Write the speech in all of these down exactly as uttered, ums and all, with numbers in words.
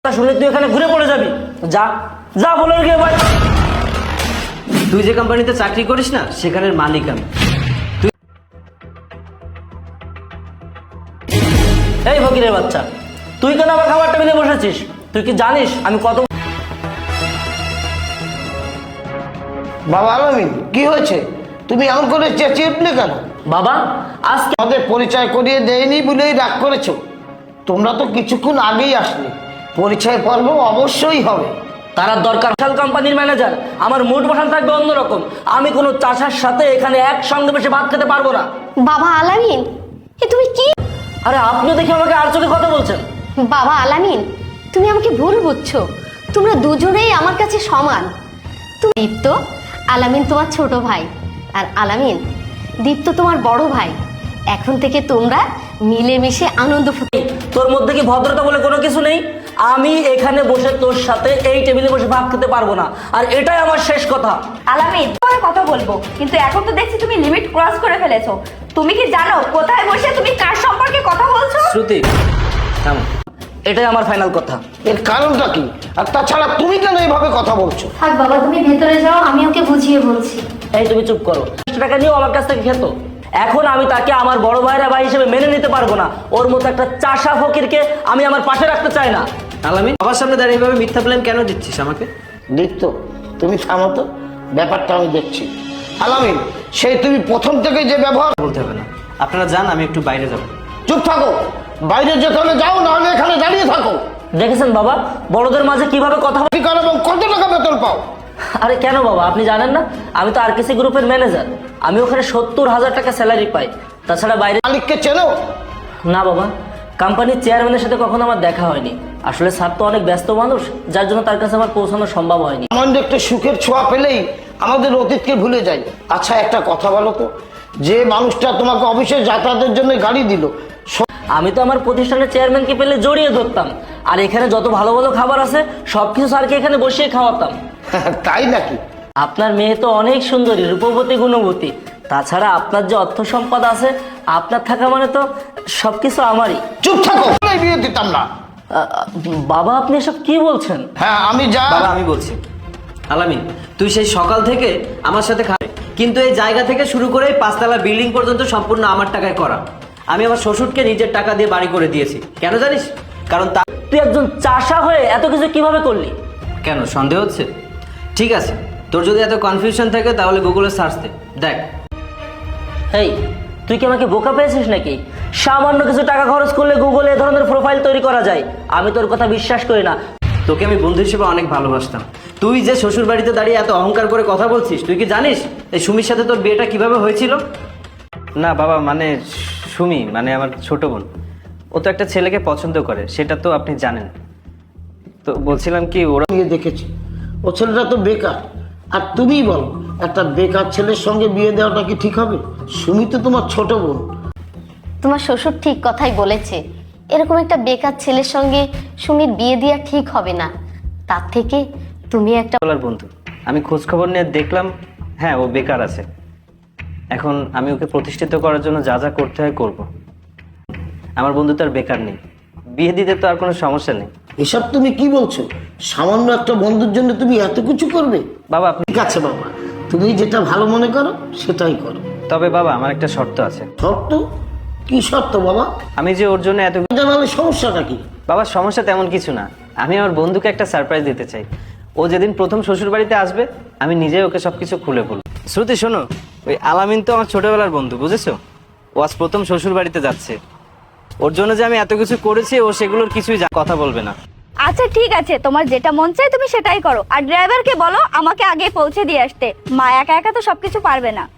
শুনে তুই এখানে ঘুরে পড়ে যাবি। যা যা বলে গিয়ে ভাই। তুই যে কোম্পানিতে চাকরি করিস না সেখানের মালিক আমি। এই ফকিরের বাচ্চা, তুই কেন আমার খাবার টেবিলে বসেছিস? তুই কি জানিস আমি কত? বাবা আলামিন, কি হয়েছে? তুমি এমন করে চেঁচিয়ে উঠলে কেন? বাবা আজকে আমাদের পরিচয় করিয়ে দেয়নি বলেই রাগ করেছো। তোমরা তো কিছুক্ষণ আগেই আসলে, পরিচয় পর্ব অবশ্যই হবে। তার দরকার বিশাল কোম্পানির ম্যানেজার, আমার মুড বসান থাকবে অন্যরকম। আমি কোনো চাষার সাথে এখানে একসঙ্গে বসে ভাত খেতে পারবো না। বাবা আলামিন, এ তুমি কি? আরে আপনিও দেখি আমাকে আর চোখে কথা বলছেন। বাবা আলামিন, তুমি আমাকে ভুল বুঝছো। তোমরা দুজনেই আমার কাছে সমান। তুমি দীপ্ত, আলামিন তোমার ছোট ভাই, আর আলামিন দীপ্ত তোমার বড় ভাই। এখন থেকে তোমরা মিলেমিশে আনন্দ ফুটে। তোর মধ্যে কি ভদ্রতা বলে কোনো কিছু নেই? আমি এখানে বসে তোর সাথে এই টেবিলে বসে ভাত খেতে পারবো না, আর এটাই আমার শেষ কথা। আলামিন, তোমার কথা বলবো, কিন্তু এখন তো দেখছি তুমি লিমিট ক্রস করে ফেলেছো। তুমি কি জানো কোথায় বসে তুমি কার সম্পর্কে কথা বলছো? শ্রুতি থামো। এটাই আমার ফাইনাল কথা। এর কারণটা কি? আর তাছাড়া তুমি কেন এইভাবে কথা বলছো? থাক বাবা, তুমি ভেতরে যাও, আমি ওকে বুঝিয়ে বলছি। এই তুমি চুপ করো। টাকা নিয়েও আমার কাছ থেকে খেতো। এখন আমি তাকে আমার বড় ভাইরা ভাই হিসেবে মেনে নিতে পারবো না। ওর মতো একটা চাষা ফকিরকে আমি আমার পাশে রাখতে চাই না। আলামিন, বাবার সামনে দাঁড়িয়ে এভাবে মিথ্যা প্ল্যান কেন দিচ্ছিস আমাকে? দীপ্ত, তুমি থামো তো, ব্যাপারটা আমি দেখছি। আলামিন, সেই তুমি প্রথম থেকে যে ব্যবহার। বলতে হবে না, আপনারা যান, আমি একটু বাইরে যাবো। চুপ থাকো, বাইরে যেতে হলে যাও, নাহলে এখানে দাঁড়িয়ে থাকো। দেখেছেন বাবা, বড়দের মাঝে কিভাবে কথা বলে? কি করো এবং কত টাকা বেতন পাও? আরে কেন বাবা, আপনি জানেন না আমি তো আরকেসি গ্রুপের ম্যানেজার। আমি ওখানে সত্তর হাজার টাকা স্যালারি পাই। তাছাড়া বাইরে মালিককে চেনো? না বাবা, কোম্পানির চেয়ারম্যানের সাথে কখনো আমার দেখা হয়নি। আসলে স্যার তো অনেক ব্যস্ত মানুষ, যার জন্য তার কাছে আমার পৌঁছানো সম্ভব হয়নি। সামান্য একটু সুখের ছোঁয়া পেলেই আমাদের অতীতকে ভুলে যাই। আচ্ছা একটা কথা বলো তো, যে মানুষটা তোমাকে অফিসে যাতায়াতের জন্য গাড়ি দিল, আমি তো আমার প্রতিষ্ঠানের চেয়ারম্যানকে পেলে জড়িয়ে ধরতাম, আর এখানে যত ভালো ভালো খাবার আছে সবকিছু স্যারকে এখানে বসিয়ে খাওয়াতাম। তাই নাকি? আপনার মেয়ে তো অনেক সুন্দরী, রূপবতী, গুণবতী। তাছাড়া আপনার যে অর্থ সম্পদ আছে, আপনার থাকা মানে তো সবকিছু আমারই। চুপ থাকো, আমি বিয়ে দিতাম না। আ, আ, বাবা আপনি এসব কি বলছেন? হ্যাঁ আমি যা। বাবা আমি বলছি, আলামিন তুই সেই সকাল থেকে আমার সাথে খাবে, কিন্তু এই জায়গা থেকে শুরু করে এই পাঁচতলা বিল্ডিং পর্যন্ত সম্পূর্ণ আমার টাকায় করা। আমি আমার শ্বশুরকে নিজের টাকা দিয়ে বাড়ি করে দিয়েছি। কেন জানিস? কারণ তা তুই একজন চাষা হয়ে এত কিছু কিভাবে করলি? কেন সন্দেহ হচ্ছে? ঠিক আছে, তোর যদি এত কনফিউশন থাকে তাহলে গুগলে সার্চ দে, দেখ। এই তুই কি আমাকে বোকা পেয়েছিস নাকি? সামান্য কিছু টাকা খরচ করলে গুগলে এ ধরনের প্রোফাইল তৈরি করা যায়? আমি তোর কথা বিশ্বাস করি না। তোকে আমি বন্ধু হিসেবে অনেক ভালোবাসতাম। তুই যে শ্বশুর বাড়িতে দাঁড়িয়ে এত অহংকার করে কথা বলছিস, তুই কি জানিস এই সুমির সাথে তোর বিয়েটা কিভাবে হয়েছিল? না বাবা, মানে সুমি মানে আমার ছোট বোন, ও তো একটা ছেলেকে পছন্দ করে, সেটা তো আপনি জানেন। তো বলছিলাম কি, ওরা বিয়ে দেখেছি, ও ছেলেটা তো বেকার। আর তুমি বল, একটা বেকার ছেলের সঙ্গে বিয়ে দেওয়াটা কি ঠিক হবে? সুমি তো তোমার ছোট বোন। তোমার শ্বশুর ঠিক কথাই বলেছে। এরকম একটা বেকার ছেলের সঙ্গে সুমির বিয়ে দেওয়া ঠিক হবে না। তার থেকে তুমি একটা বলার বন্ধু, আমি খোঁজ খবর নিয়ে দেখলাম, হ্যাঁ ও বেকার আছে। এখন আমি ওকে প্রতিষ্ঠিত করার জন্য যা যা করতে হয় করব। আমার বন্ধু তো আর বেকার নেই, বিয়ে দিতে তো আর কোনো সমস্যা নেই। এসব তুমি কি বলছো? সামান্য একটা বন্ধুর জন্য তুমি এত কিছু করবে? বাবা আপনি, ঠিক আছে বাবা, তুমি যেটা ভালো মনে করো সেটাই করো। তবে বাবা আমার একটা শর্ত আছে। শর্ত? কি শর্ত বাবা? আমি যে ওর জন্য এত, জানালে সমস্যাটা কি? বাবা সমস্যা তেমন কিছু না, আমি আমার বন্ধুকে একটা সারপ্রাইজ দিতে চাই। ও যেদিন প্রথম শ্বশুর বাড়িতে আসবে আমি নিজে ওকে সবকিছু খুলে বলবো। শ্রুতি শোনো, ওই আলামিন তো আমার ছোটবেলার বন্ধু, বুঝেছো? ও আজ প্রথম শ্বশুর বাড়িতে যাচ্ছে। ওর জন্য যে আমি এত কিছু করেছি, ও সেগুলোর কিছুই জা- কথা বলবে না। আচ্ছা ঠিক আছে, তোমার যেটা মন চায় তুমি সেটাই করো। আর ড্রাইভারকে বলো আমাকে আগে পৌঁছে দিয়ে আসতে। মা একা একা তো সবকিছু পারবে না।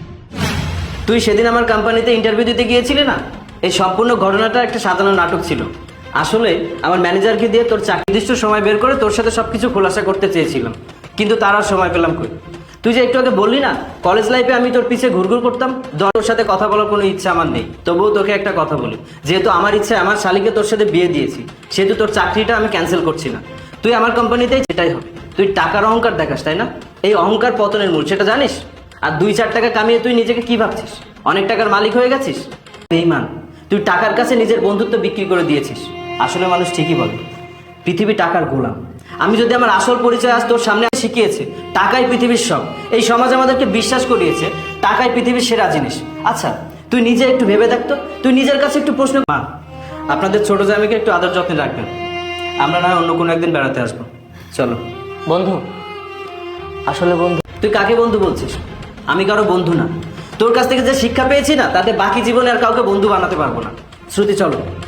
তুই সেদিন আমার কোম্পানিতে ইন্টারভিউ দিতে গিয়েছিলি না, এই সম্পূর্ণ ঘটনাটা একটা সাজানো নাটক ছিল। আসলে আমার ম্যানেজারকে দিয়ে তোর চাকরি নির্দিষ্ট সময় বের করে তোর সাথে সবকিছু খোলাসা করতে চেয়েছিলাম, কিন্তু তার আর সময় পেলাম কই। তুই যে একটু আগে বললি না কলেজ লাইফে আমি তোর পিছে ঘুরঘুর করতাম, তোর সাথে কথা বলার কোনো ইচ্ছা আমার নেই। তবুও তোকে একটা কথা বলি, যেহেতু আমার ইচ্ছে আমার শালিকে তোর সাথে বিয়ে দিয়েছি, সেহেতু তোর চাকরিটা আমি ক্যান্সেল করছি না। তুই আমার কোম্পানিতেই, সেটাই হবে। তুই টাকার অহংকার দেখাস, তাই না? এই অহংকার পতনের মূল, সেটা জানিস? আর দুই চার টাকা কামিয়ে তুই নিজেকে কি ভাবছিস? অনেক টাকার মালিক হয়ে গেছিস? বেঈমান, তুই টাকার কাছে নিজের বন্ধুত্ব বিক্রি করে দিয়েছিস। আসলে মানুষ ঠিকই বলে, পৃথিবী টাকার গোলাম। আমি যদি আমার আসল পরিচয় আজ তোর সামনে শিখিয়েছে টাকাই পৃথিবীর সব, এই সমাজ আমাদেরকে বিশ্বাস করিয়েছে টাকাই পৃথিবীর সেরা জিনিস। আচ্ছা তুই নিজে একটু ভেবে দেখতো, তুই নিজের কাছে একটু প্রশ্ন। মা, আপনাদের ছোট জামাইকে একটু আদর যত্নে রাখবেন, আমরা না হয় অন্য কোনো একদিন বেড়াতে আসবো। চলো। বন্ধু, আসলে বন্ধু, তুই কাকে বন্ধু বলছিস? আমি কারো বন্ধু না। তোর কাছ থেকে যে শিক্ষা পেয়েছি না, তাতে বাকি জীবনে আর কাউকে বন্ধু বানাতে পারবো না। শ্রুতি চলো।